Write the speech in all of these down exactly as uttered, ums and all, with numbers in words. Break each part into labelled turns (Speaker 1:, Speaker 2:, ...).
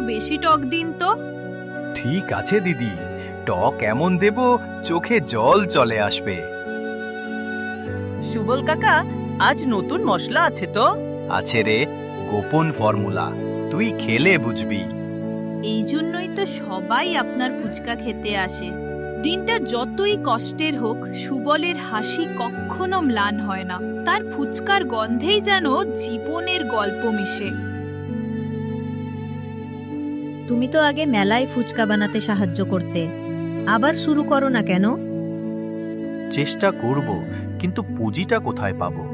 Speaker 1: বেশি টক দিন তো।
Speaker 2: ঠিক আছে দিদি, টক এমন দেব চোখে জল চলে আসবে।
Speaker 3: সুবল কাকা, আজ নতুন মশলা আছে তো?
Speaker 2: আছে রে, গোপন ফর্মুলা, তুই খেলে বুঝবি।
Speaker 1: এই জন্যই তো সবাই আপনার ফুচকা খেতে আসে। দিনটা যতই কষ্টের হোক, সুবলের হাসি কখনো ম্লান হয় না। তার ফুচকার গন্ধেই যেন জীবনের গল্প মিশে।
Speaker 4: তুমি তো আগে মেলায় ফুচকা বানাতে সাহায্য করতে, আবার শুরু করো না কেন?
Speaker 2: চেষ্টা করব, কিন্তু পুঁজিটা কোথায় পাবো?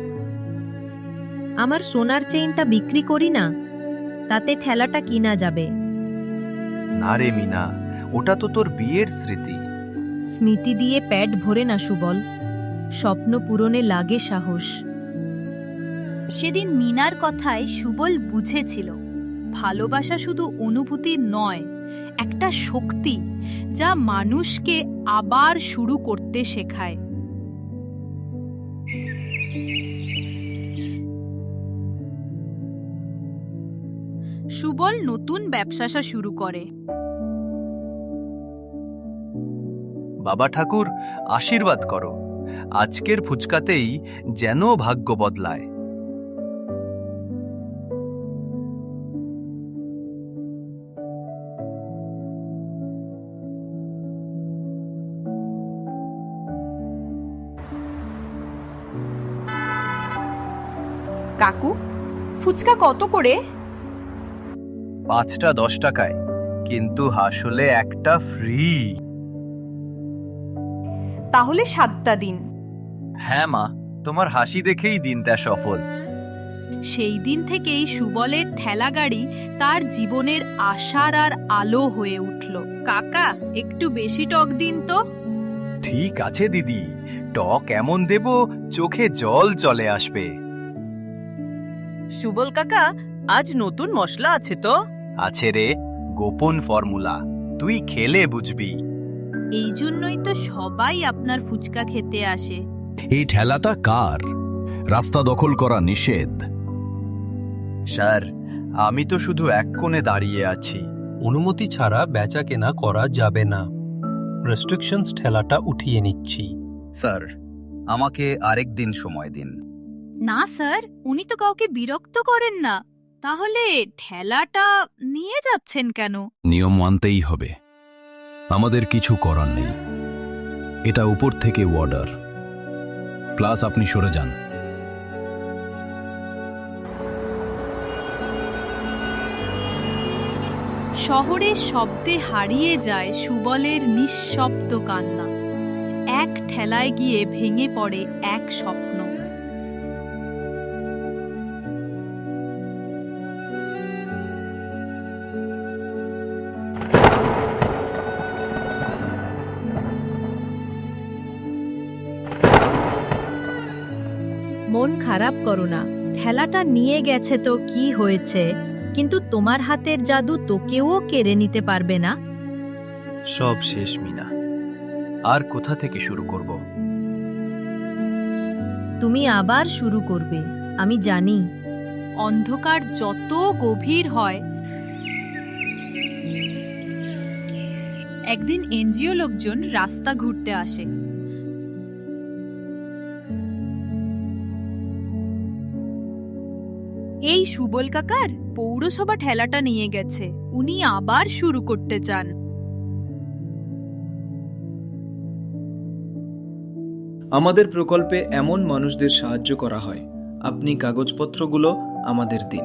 Speaker 4: আমার সোনার চেইনটা বিক্রি করি না, তাতে ঠেলাটা কিনা যাবে।
Speaker 2: না রে মিনা, ওটা তো তোর বিয়ের স্মৃতি।
Speaker 4: স্মৃতি দিয়ে পেট ভরে না সুবল, স্বপ্ন পূরণে লাগে সাহস।
Speaker 1: সেদিন মিনার কথায় সুবল বুঝেছিল, ভালোবাসা শুধু অনুভূতি নয়, একটা শক্তি যা মানুষকে আবার শুরু করতে শেখায়। সুবল নতুন ব্যবসা শুরু করে।
Speaker 2: বাবা ঠাকুর, আশীর্বাদ করো, আজকের ফুচকাতেই যেন ভাগ্য বদলায়।
Speaker 1: কাকু, ফুচকা কত করে?
Speaker 2: পাঁচটা দশ টাকায়, কিন্তু আসলে একটা ফ্রি।
Speaker 1: তাহলে সাতটা দিন।
Speaker 2: হ্যাঁ মা, তোমার হাসি দেখেই দিনটা সফল।
Speaker 1: সেই দিন থেকেই সুবলের ঠেলা গাড়ি তার জীবনের আশার আর আলো হয়ে উঠল। কাকা, একটু বেশি টক দিন তো।
Speaker 2: ঠিক আছে দিদি, টক এমন দেব চোখে জল চলে আসবে।
Speaker 3: সুবল কাকা, আজ নতুন মশলা আছে তো?
Speaker 2: আছে রে, গোপন ফর্মুলা, তুই খেলে বুঝবি।
Speaker 1: এই জন্যই তো সবাই আপনার ফুচকা খেতে আসে।
Speaker 5: এই ঠেলাটা কার? রাস্তা দখল করা নিষেধ।
Speaker 2: স্যার, আমি তো শুধু এক কোণে দাঁড়িয়ে আছি।
Speaker 6: অনুমতি ছাড়া বেচা কেনা করা যাবে না। রেস্ট্রিকশনস ঠেলাটা উঠিয়ে নিচ্ছি।
Speaker 2: স্যার, আমাকে আরেক দিন সময় দিন।
Speaker 1: না স্যার, উনি তো কাউকে বিরক্ত করেন না। তাহলে ঠেলাটা নিয়ে যাচ্ছেন কেন?
Speaker 5: নিয়ম মানতেই হবে, আমাদের কিছু করার নেই। এটা উপর থেকে অর্ডার, প্লাস আপনি সরে যান।
Speaker 1: শহরের শব্দে হারিয়ে যায় সুবলের নিঃশব্দ কান্না। এক ঠেলায় গিয়ে ভেঙে পড়ে এক স্বপ্ন।
Speaker 4: মন খারাপ করো না, ঠেলাটা নিয়ে গেছে তো কি হয়েছে, কিন্তু তোমার হাতের জাদু তোকেও কেড়ে নিতে পারবে না।
Speaker 2: সব শেষ মিনা, আর কোথা থেকে শুরু করব?
Speaker 4: তুমি আবার শুরু করবে, আমি জানি।
Speaker 1: অন্ধকার যত গভীর হয়, একদিন এনজিও লোকজন রাস্তা ঘুরতে আসে। এই সুবল কাকার পৌরসভা ঠেলাটা নিয়ে গেছে, উনি আবার শুরু করতে চান।
Speaker 7: আমাদের প্রকল্পে এমন মানুষদের সাহায্য করা হয়। আপনি কাগজপত্রগুলো আমাদের দিন।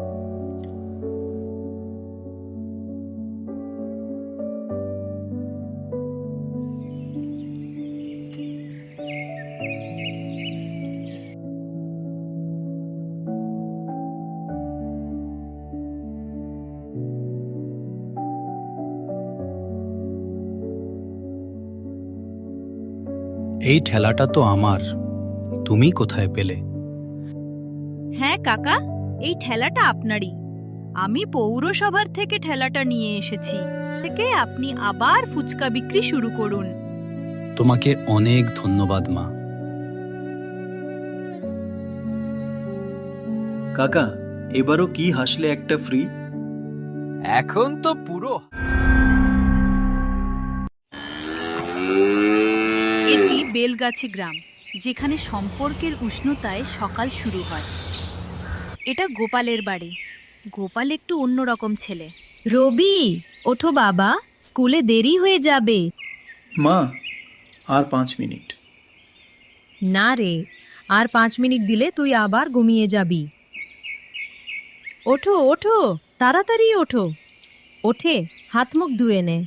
Speaker 6: এই ঠেলাটা তো আমার, তুমি কোথায় পেলে?
Speaker 1: হ্যাঁ কাকা, এই ঠেলাটা আপনারই। আমি পৌরসভার থেকে ঠেলাটা নিয়ে এসেছি। থেকে আপনি আবার ফুচকা বিক্রি শুরু করুন।
Speaker 6: তোমাকে অনেক ধন্যবাদ মা।
Speaker 7: কাকা, এবারও কি হাসলে একটা ফ্রি?
Speaker 2: এখন তো পুরো
Speaker 1: এটি বেলগাছি গ্রাম, যেখানে সম্পর্কের উষ্ণতায় সকাল শুরু হয়। এটা গোপালের বাড়ি। গোপাল একটু অন্যরকম ছেলে।
Speaker 4: রবি, ওঠো বাবা, স্কুলে দেরি হয়ে যাবে।
Speaker 7: মা, আর পাঁচ মিনিট।
Speaker 4: না রে, আর পাঁচ মিনিট দিলে তুই আবার ঘুমিয়ে যাবি। ওঠো ওঠো, তাড়াতাড়ি ওঠো। ওঠে হাত মুখ ধুয়ে নে।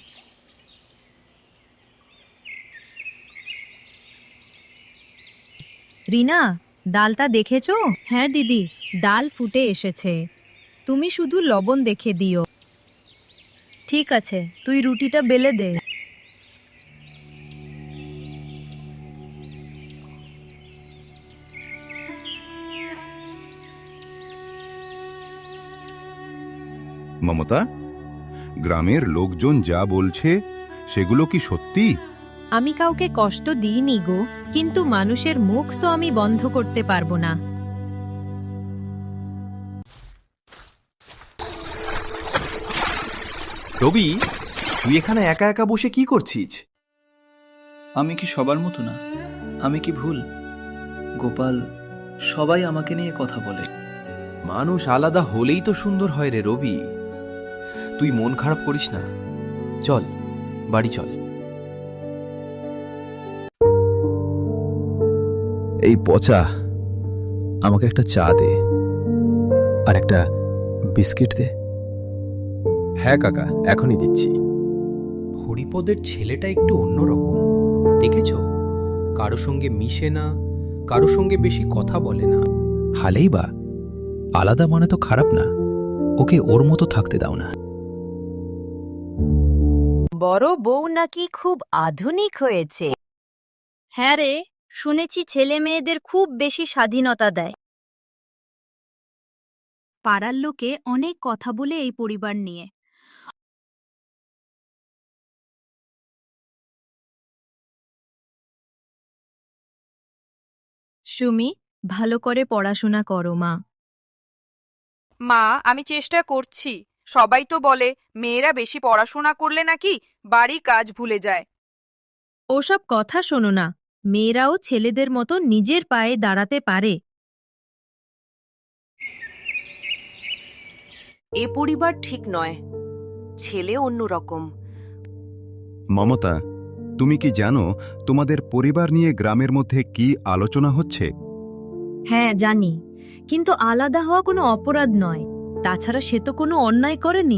Speaker 4: রিনা, ডালটা দেখেছো? হ্যাঁ দিদি, ডাল ফুটে এসেছে। তুমি শুধু লবণ দেখে দিও। ঠিক আছে, তুই রুটিটা বেলে দে।
Speaker 8: মমতা, গ্রামের লোকজন যা বলছে সেগুলো কি সত্যি?
Speaker 4: আমি কাউকে কষ্ট দিইনি গো, কিন্তু মানুষের মুখ তো আমি বন্ধ করতে পারবো না।
Speaker 2: রবি, তুই এখানে একা একা বসে কি করছিস?
Speaker 7: আমি কি সবার মতো না? আমি কি ভুল? গোপাল, সবাই আমাকে নিয়ে কথা বলে।
Speaker 2: মানুষ আলাদা হলেই তো সুন্দর হয় রে রবি। তুই মন খারাপ করিস না, চল বাড়ি চল।
Speaker 5: এই পচা, আমাকে একটা চা দে আর একটা বিস্কিট দে।
Speaker 2: হ্যাঁ কাকা, এখনই দিচ্ছি। হরিপদের ছেলেটা একটু অন্যরকম, দেখেছো? কারো সঙ্গে মিশে না, কারো সঙ্গে বেশি কথা বলে না।
Speaker 5: হালেই বা, আলাদা মানে তো খারাপ না। ওকে ওর মতো থাকতে দাও না।
Speaker 4: বড় বউ নাকি খুব আধুনিক হয়েছে। হ্যাঁ রে, শুনেছি ছেলে মেয়েদের খুব বেশি স্বাধীনতা দেয়।
Speaker 1: পাড়ার লোকে অনেক কথা বলে এই পরিবার নিয়ে।
Speaker 4: সুমি, ভালো করে পড়াশোনা করো মা।
Speaker 9: মা, আমি চেষ্টা করছি। সবাই তো বলে মেয়েরা বেশি পড়াশোনা করলে নাকি বাড়ি কাজ ভুলে যায়।
Speaker 4: ওসব কথা শোনো না, মেয়েরাও ছেলেদের মতো নিজের পায়ে দাঁড়াতে পারে।
Speaker 9: এ পরিবার ঠিক নয়, ছেলে অন্যরকম।
Speaker 8: মমতা, তুমি কি জানো তোমাদের পরিবার নিয়ে গ্রামের মধ্যে কি আলোচনা হচ্ছে?
Speaker 4: হ্যাঁ জানি, কিন্তু আলাদা হওয়া কোনো অপরাধ নয়। তাছাড়া সে তো কোনো অন্যায় করেনি।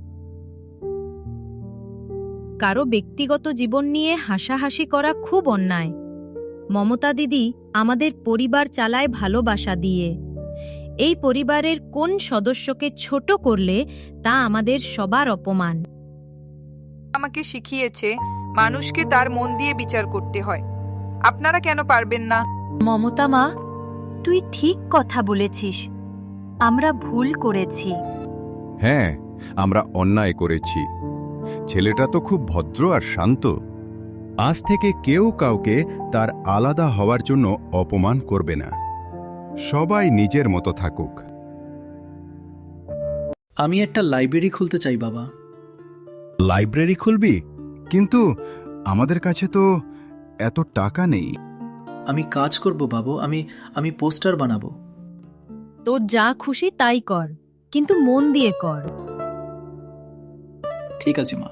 Speaker 4: কারো ব্যক্তিগত জীবন নিয়ে হাসাহাসি করা খুব অন্যায়। মমতা দিদি আমাদের পরিবার চালায় ভালোবাসা দিয়ে। এই পরিবারের কোন সদস্যকে ছোট করলে তা আমাদের সবার অপমান।
Speaker 9: আমাকে শিখিয়েছে মানুষকে তার মন দিয়ে বিচার করতে হয়। আপনারা কেন পারবেন না?
Speaker 4: মমতা মা, তুই ঠিক কথা বলেছিস। আমরা ভুল করেছি।
Speaker 8: হ্যাঁ, আমরা অন্যায় করেছি। ছেলেটা তো খুব ভদ্র আর শান্ত। আজ থেকে কেউ কাউকে তার আলাদা হওয়ার জন্য অপমান করবে না। সবাই নিজের মতো থাকুক।
Speaker 7: আমি একটা লাইব্রেরি খুলতে চাই বাবা।
Speaker 8: লাইব্রেরি খুলবি? কিন্তু আমাদের কাছে তো এত টাকা নেই।
Speaker 7: আমি কাজ করব বাবু, আমি আমি পোস্টার বানাবো।
Speaker 4: তোর যা খুশি তাই কর, কিন্তু মন দিয়ে কর।
Speaker 7: ঠিক আছে মা।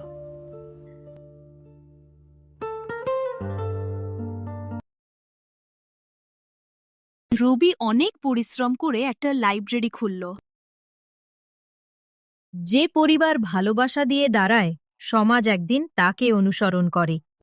Speaker 1: রবি অনেক পরিশ্রম করে একটা লাইব্রেরি খুলল।
Speaker 4: যে পরিবার ভালোবাসা দিয়ে দাঁড়ায়, সমাজ একদিন তাকে অনুসরণ করে।